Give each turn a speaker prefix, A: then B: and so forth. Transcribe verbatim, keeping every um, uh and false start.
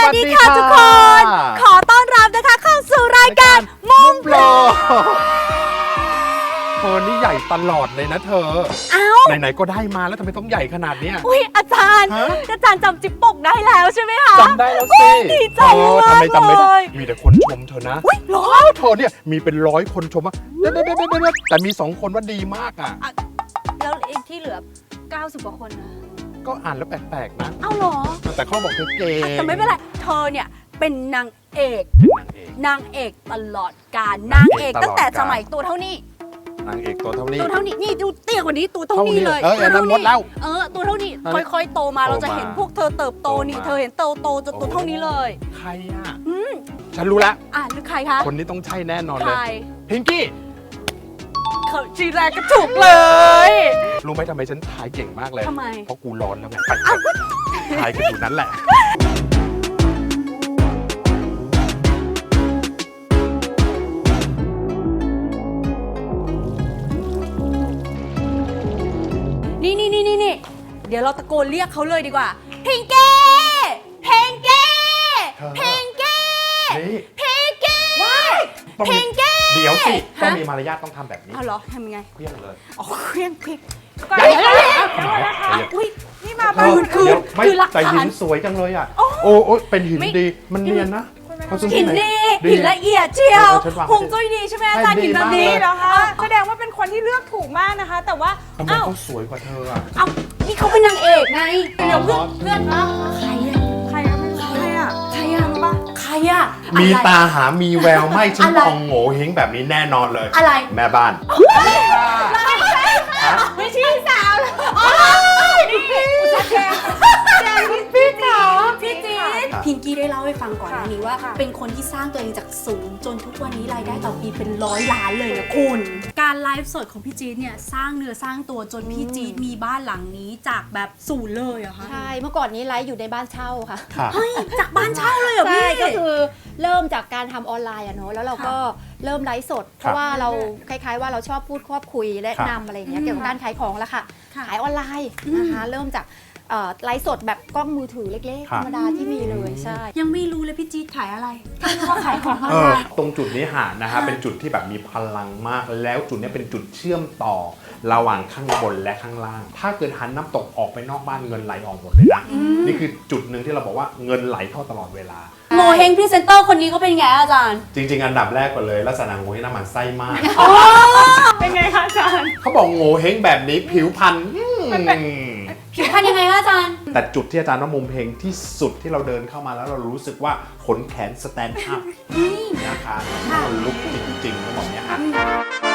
A: วัสดีค่ะทุกคนขอต้อนรับนะคะเข้าสู่รายการมุมโปร
B: เธอนี่ใหญ่ตลอดเลยนะเธอ
A: เอ้า
B: ไหนๆก็ได้มาแล้วทำไมต้องใหญ่ขนาดนี้
A: อุ้ยอาจารย์อาจารย์จำจิ๊บปกได้แล้วใช่ไหมคะ
B: จำได้แล้วสิ
A: ดีใจมากเลย
B: ทำไมจำไม่ได้มีแต่คนชมเธอนะ
A: อุ้ยหรอ
B: เธอเนี่ยมีเป็นร้อยคนชมว่าเด็ดเด็ดเด็ดแต่มีสองคนว่าดีมากอ่ะ
A: แล้วเองที่เหลือเก้าสิบกว่าคนนะ
B: ก็อ่านแล้วแปลกๆนะ
A: เอ้าหรอ
B: แต่เขาบอกเธอเก่ง
A: แต่ไม่เป็นไรเธอเนี่ยเป็นนางเอกนางเอกตลอดกาลนางเอกตั้งแต่สมัยตัวเท่านี้
B: นางเอกตัวเท่านี้
A: ตัวเท่านี้นี่ดูเตี้ยกว่านี้ตัวเท่านี้เลย
B: เออนั้นหมดแล้ว
A: เออตัวเท่านี้ค่อยๆโตมาเราจะเห็นพวกเธอเติบโตนี่เธอเห็นเติบโตจนตัวเท่านี้เลย
B: ใครอ่ะฉันรู้แล้ว
A: อ่ะหรือใครคะ
B: คนนี้ต้องใช่แน่นอนเลยพิงกี้
A: เขาจีแรกก็ถูกเลย
B: รู้ไหมทำไมฉันถ่ายเก่งมากเลย
A: ทำไม
B: เพราะกูร้อนแล้วไงถ่ายกันอยู่นั้นแหละ
A: นี่นี่นี่นี่เดี๋ยวเราตะโกนเรียกเขาเลยดีกว่าพิงเก้พิงเก้พิงเก้พิงเก้พิงเก้
B: เดี๋ยวสิต้องมีมารยาทต้องทำแบบนี้
A: เอาเหรอทำยังไง
B: เคลี้ยงเลย
A: อ๋อเคลี้ยงพิง
B: ก็
A: อุ้ย
B: นี่มาบ้านคือคือหลักฐานแต่หินสวยจังเลยอ่ะโอ้โอ้เป็นหินดีมันเนียนนะ
A: หินดีหินละเอียดเชียวคงจุ้ยดีใช่ไหมอาจารย์หินแบบนี้
C: เหรอคะแสดงว่าเป็นคนที่เลือกถูกมากนะคะแต่ว่า
B: ทำไมเขาสวยกว่าเธออ่ะ
A: เอ้านี่เขาเป็นนางเอกไงเดี๋ยวเพื่อนเพื่อนนะใครอะ
C: ใครอะใครอะ
A: ใครอะรู้ปะใครอะ
B: มีตาหามีแววไม่ฉันมองโง่เฮงแบบนี้แน่นอนเลย
A: อะไร
B: แม่บ้าน
A: ไม่ใช่สาวเลยนี่แจงแจงพี่จ๋าพี่จี๊ดพิงกี้ได้เล่าให้ฟังก่อนหน้านี้ว่าเป็นคนที่สร้างตัวเองจากศูนย์จนทุกวันนี้รายได้ต่อปีเป็นร้อยล้านเลยนะคุณการไลฟ์สดของพี่จี๊ดเนี่ยสร้างเนื้อสร้างตัวจนพี่จี๊ดมีบ้านหลังนี้จากแบบศูนย์เลยเหรอคะ
D: ใช่เมื่อก่อนนี้ไลฟ์อยู่ในบ้านเช่าค่ะ
A: เฮ้ยจากบ้านเช่าเลยเหรอพี่
D: ใช่ก็คือเริ่มจากการทำออนไลน์อะเนาะแล้วเราก็เริ่มไลฟ์สดเพราะว่าเราคล้ายๆว่าเราชอบพูดครอบคุยและนำอะไรอย่างเงี้ยเกี่ยวกับการขายของแล้วค่ะขายออนไลน์นะคะเริ่มจากไลฟ์สดแบบกล้องมือถือเล็กๆธรรมดาที่มีเลยใช่
A: ยังไม่รู้เลยพี่จี๊ดขายอะไรว่าขายของออนไลน์
B: ตรงจุดนี้หานะฮะเป็นจุดที่แบบมีพลังมากแล้วจุดนี้เป็นจุดเชื่อมต่อระหว่างข้างบนและข้างล่างถ้าเกิดหันน้ำตกออกไปนอกบ้านเงินไหลออกหมดเลยนะนี่คือจุดหนึ่งที่เราบอกว่าเงินไหลเข้าตลอดเวลา
A: โงเฮงพรีเซนเตอร์คนนี้เขาเป็นไงอาจารย์
B: จริงๆอันดับแรกก่อนเลยลักษณะโงเฮงน้ำมันไส้มาก
C: เป็นไงคะอาจารย์
B: เขาบอกโงเฮงแบบนี้ผิวพรรณ
A: ผิวพรรณยังไงคะอาจารย์
B: แต่จุดที่อาจารย์ว่ามุมเฮงที่สุดที่เราเดินเข้ามาแล้วเรารู้สึกว่าขนแขนสแตนด์อัพนะคะมันลุกจริงๆต้องบอกเนี้ยค่ะ